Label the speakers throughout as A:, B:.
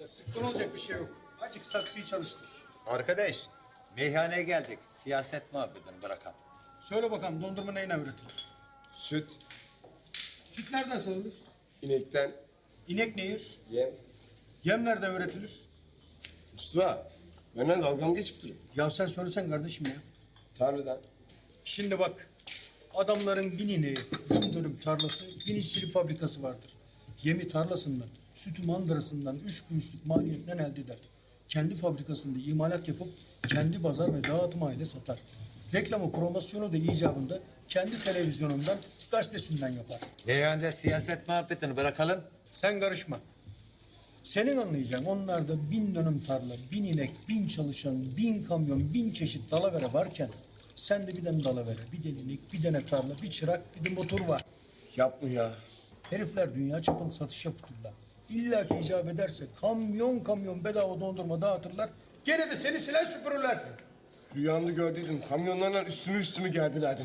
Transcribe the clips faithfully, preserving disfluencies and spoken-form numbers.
A: Ya sıkkın olacak bir şey yok. Azıcık saksıyı çalıştır.
B: Arkadaş, meyhaneye geldik. Siyaset muhabbetini bırakalım.
A: Söyle bakalım dondurma neyle üretilir?
C: Süt,
A: Süt nereden sağılır?
C: inekten,
A: İnek ne yer?
C: yem.
A: Yem nereden üretilir?
C: Mustafa, benden dalga mı geçip durun?
A: Ya sen söylesen kardeşim ya.
C: Tarladan.
A: Şimdi bak, adamların bin ineği, bin dönüm tarlası, bin işçilik fabrikası vardır. Yemi tarlasından, sütü mandırasından üç kuruşluk maliyetten elde eder. Kendi fabrikasında imalat yapıp kendi pazar ve dağıtım aile satar. Reklamı, promosyonu da icabında kendi televizyonundan, gazetesinden yapar.
B: Meyhanede siyaset muhabbetini bırakalım.
A: Sen karışma. Senin anlayacağın onlarda bin dönüm tarla, bin inek, bin çalışan, bin kamyon, bin çeşit dalavere varken sende bir tane dalavere, bir tane inek, bir tane tarla, bir çırak, bir de motor var.
C: Yapma ya.
A: Herifler dünya çapında satış yapıtırlar. İlla ki icap ederse kamyon kamyon bedava dondurma dağıtırlar. Gene de seni silah süpürürler.
C: Rüyamda gördüydüm. Kamyonlarla üstümü üstümü geldilerdi.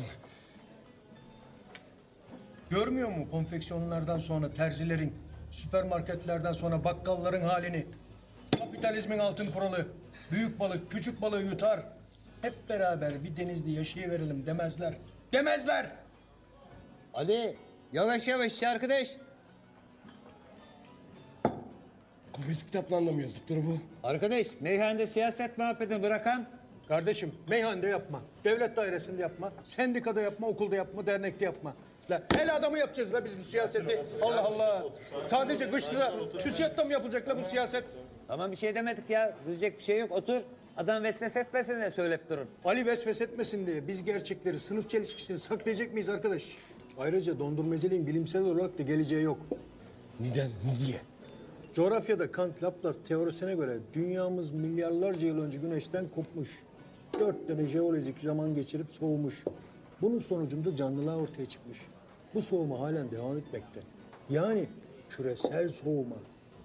A: Görmüyor mu konfeksiyonlardan sonra terzilerin, süpermarketlerden sonra bakkalların halini? Kapitalizmin altın kuralı. Büyük balık küçük balığı yutar. Hep beraber bir denizde yaşayıverelim demezler. Demezler.
B: Ali, yavaş yavaş arkadaş.
C: Komünist kitaplarında mı yazıp dur bu?
B: Arkadaş, meyhanede siyaset muhabbetini bırakan.
A: Kardeşim meyhanede yapma, devlet dairesinde yapma, sendikada yapma, okulda yapma, dernekte yapma. La el adamı yapacağız la biz bu siyaseti. Allah Allah. Sadece kışta TÜSİAD'da mı yapılacak la bu siyaset?
B: Tamam bir şey demedik ya. Kızacak bir şey yok. Otur. Adam vesvese etmesin de söyleyip durun.
A: Ali vesves etmesin diye biz gerçekleri, sınıf çelişkisini saklayacak mıyız arkadaş? Ayrıca dondurmacılığın bilimsel olarak da geleceği yok.
C: Neden? Niye?
A: Coğrafyada Kant Laplace teorisine göre dünyamız milyarlarca yıl önce güneşten kopmuş. Dört tane jeolojik zaman geçirip soğumuş. Bunun sonucunda canlılığa ortaya çıkmış. Bu soğuma halen devam etmekte. Yani küresel soğuma.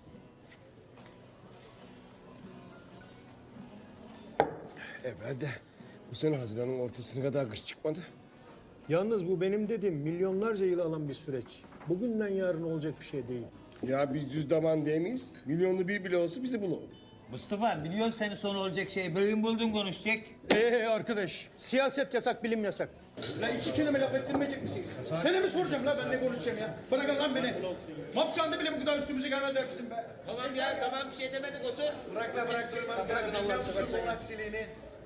C: Evvelde bu sene Haziran'ın ortasına kadar kış çıkmadı.
A: Yalnız bu benim dediğim milyonlarca yıl alan bir süreç. Bugünden yarın olacak bir şey değil.
C: Ya biz düz daman değil miyiz? Milyonlu bir bile olsa bizi bulur.
B: Mustafa, biliyorsun senin sonu olacak şey. Bölüm buldun konuşacak.
A: Ee arkadaş, siyaset yasak, bilim yasak. La iki kelime laf ettirmeyecek misiniz? Sana mi soracağım la ben ne konuşacağım ya? Bırakın lan beni. Hapishanede bile bu kadar üstümüze gelmediler bizim be.
B: Tamam ya, tamam bir şey demedik. Otur.
D: Bırakla bırak durmaz.
A: Bırakın Allah'ını seversen.
D: aksiliğini.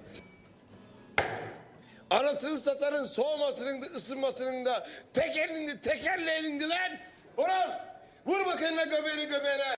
C: Anasını satarın soğumasının da ısınmasının da tekerinin de tekerleğinin de lan. Oğlum vur bakayım la göbeğini göbeğine.